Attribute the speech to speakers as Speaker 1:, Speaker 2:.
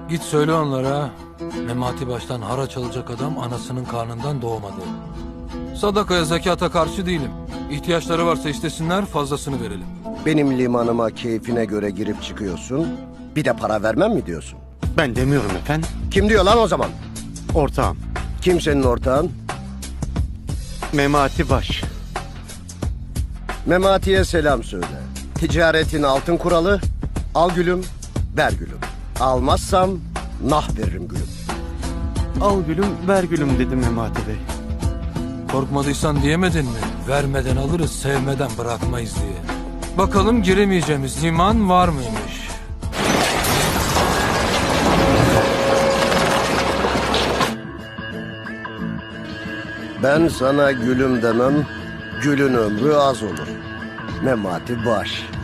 Speaker 1: Git söyle onlara, Memati baştan haraç alacak adam anasının karnından doğmadı. Sadakaya, zekata karşı değilim. İhtiyaçları varsa istesinler, fazlasını verelim.
Speaker 2: Benim limanıma keyfine göre girip çıkıyorsun. Bir de para vermem mi diyorsun?
Speaker 3: Ben demiyorum efendim.
Speaker 2: Kim diyor lan o zaman?
Speaker 3: Ortağım.
Speaker 2: Kim senin ortağın?
Speaker 3: Memati Baş.
Speaker 2: Memati'ye selam söyle. Ticaretin altın kuralı, al gülüm, ver gülüm. Almazsam nah veririm gülüm.
Speaker 3: Al gülüm ver gülüm dedi Memati Bey.
Speaker 1: Korkmadıysan diyemedin mi? Vermeden alırız, sevmeden bırakmayız diye. Bakalım giremeyeceğimiz liman var mıymış?
Speaker 2: Ben sana gülüm demem, gülün ömrü az olur. Memati Baş.